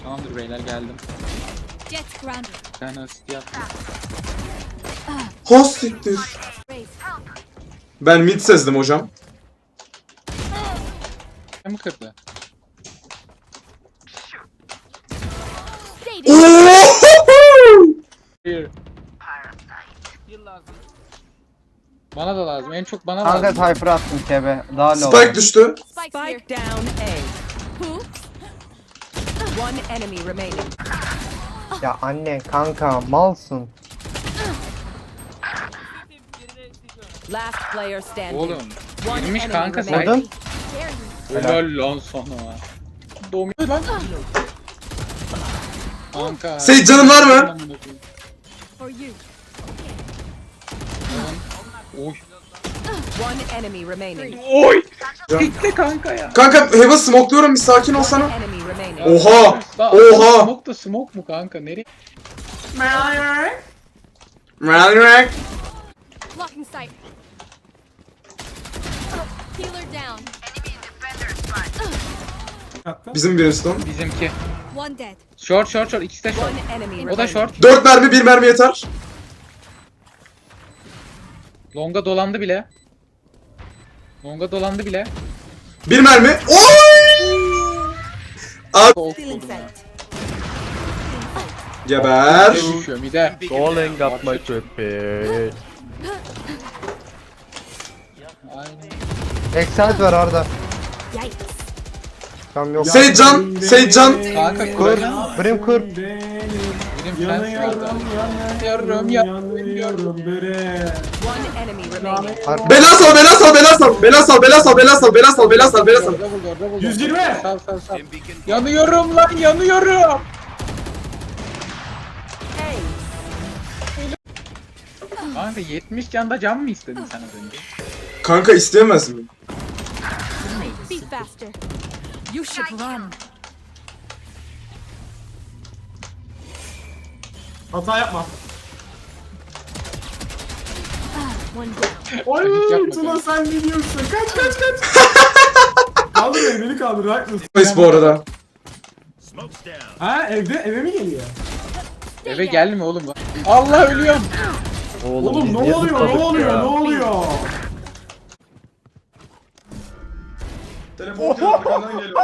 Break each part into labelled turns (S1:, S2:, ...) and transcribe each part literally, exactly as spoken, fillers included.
S1: Tamamdır beyler geldim.
S2: Jet grounded.
S1: Ben asist yaptım.
S3: Ha siktir. Ben mid sezdim hocam.
S1: Ne mi kırdı? Bir. Bana da lazım. En çok bana
S4: Kanka
S1: lazım.
S4: Cypher attım kebe. Daha low.
S3: Spike düştü.
S2: Spike's here.
S5: Spike down A.
S2: Who?
S5: One enemy remaining.
S4: Ya anne kanka malsın.
S5: Last player standing.
S1: Oğlum.
S5: One
S1: Girmiş
S5: enemy
S1: kanka
S5: remaining.
S1: sen.
S4: Vurdun.
S1: Helal lan sana. Domuyor lan. Kanka.
S3: Seyit canın var mı?
S2: For you.
S1: Oy.
S5: One enemy remaining.
S1: Oy. Bitti kanka ya.
S3: Kanka Heaven smokluyorum, bir sakin olsana.
S5: Enemy remaining.
S3: Oha!
S1: Lan,
S3: Oha!
S1: Smoke da smoke mu kanka? Nereye?
S2: Blocking sight. Healer down.
S3: Bizim Brimstone.
S1: Bizimki.
S2: One dead.
S1: Short short short. İkisi de short.
S5: One enemy
S1: O da
S5: remaining.
S1: short.
S3: Dört mermi, bir mermi yeter.
S1: Longa dolandı bile. Longa dolandı bile.
S3: Bir mermi. Oy!
S1: Soğuk
S2: Stealing
S1: vurdu ya.
S2: sight.
S3: Geber.
S1: Bir de düşüyor bir de.
S6: Calling up my tripper.
S1: Aynen.
S4: Excel var orada.
S2: Yikes.
S4: Tam yok.
S3: Seyit can, Seyit can.
S1: Kanka
S4: Kur.
S1: kuracağım.
S4: Brim kur.
S1: Benim fren şurada. Yanıyorum yanıyorum.
S5: One enemy remaining.
S3: Bela sal, bela sal, bela sal. Bela sal, bela sal, bela sal, bela sal, bela sal, bela sal.
S1: yüz yirmi. Sal sal sal. Yanıyorum lan yanıyorum.
S5: Hey.
S1: Kanka yetmiş canda can mı istedin sen az önce?
S3: Kanka isteyemez mi?
S2: Be faster. You should run.
S7: Hata yapma.
S2: One down.
S7: Oy
S1: Hiç yapma
S7: Tuna
S1: kanka.
S7: sen ne diyorsun? Kaç kaç kaç. Kaldır beni, beni kaldır. Haklısın.
S3: Nice bu arada.
S7: Ha evde eve mi geliyor?
S1: Eve gelme oğlum. Allah ölüyorum.
S7: Oğlum
S6: biz
S7: ne
S6: niye
S7: oluyor?
S6: zıpladık
S7: Ne oluyor?
S6: ya?
S7: Ne oluyor?
S3: Telefon arkandan geliyor.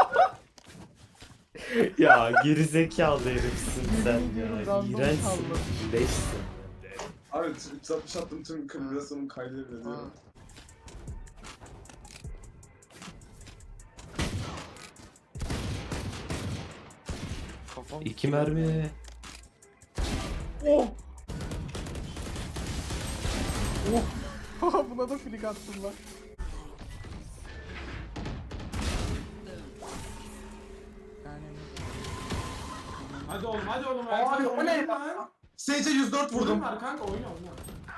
S6: Ya gerizekalı herifsin sen ya. İğrençsin. Leşsin.
S3: Abi üç altmış attım, tüm kıbrısımın kaydıyla diyor.
S6: İki mermi.
S7: Buna da flik attım lan. Hadi oğlum, hadi oğlum. Abi o ne lan?
S3: Sage'e yüz dört
S7: Vurdum
S3: vurdum.
S7: var kanka, oyna oyna.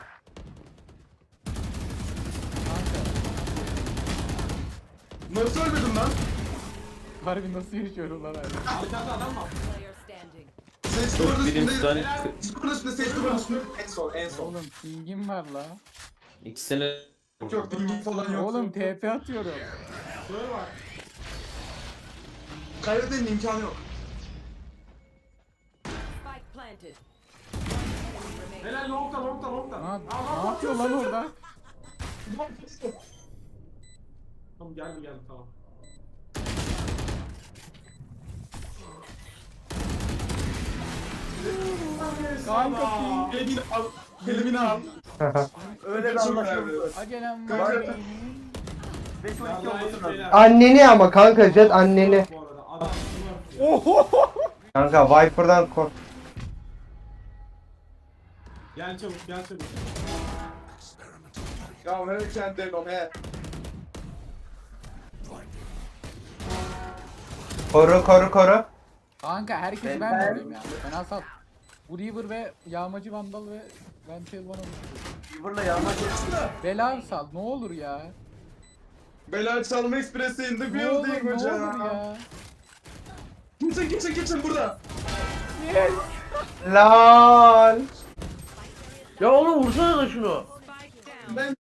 S3: Nasıl ölmedim lan?
S7: Harbi nasıl yaşıyorum lan abi? Arkada adam var.
S5: Player standing.
S3: Sage duvarın üstünde.
S6: Brimstone
S3: Duvarın üstünde, Sage duvarın üstünde. En son, en son.
S7: Oğlum pingim var la.
S6: ikisine
S3: Yok, dingin falan yok.
S7: Oğlum T P atıyorum. Şöyle bak.
S3: Kaybetmenin imkanı yok.
S5: Spike planted.
S7: Helal longta longta longta.
S8: Ne,
S7: Aa,
S8: ne yapıyor lan orada?
S7: Tamam geldi geldi tamam.
S8: Kanka ping.
S3: Elimini al. Elimini al. Öyle bir anlaşıldı.
S8: Acelem
S3: Kanka.
S8: var.
S4: Anneni ama kanka Jet anneni.
S7: Bu arada adam var.
S4: Kanka Viper'dan kork.
S7: Gel çabuk gel çabuk.
S3: Ya her kendi o he.
S4: Koru koru koru.
S8: Kanka herkesi ben de alayım ya. Fena sal. Bu Reaver ve Yağmacı Vandal ve Ventil bana
S3: River'la yağmacı.
S8: bela sal ne olur ya.
S3: Bela çalma ekspresi in the
S8: Ne olur
S3: building
S8: ne olur
S3: hocam.
S8: ya.
S3: Kimse kimse kimse burada.
S4: Lol.
S6: Ya oğlum vursana da şunu.
S3: Ben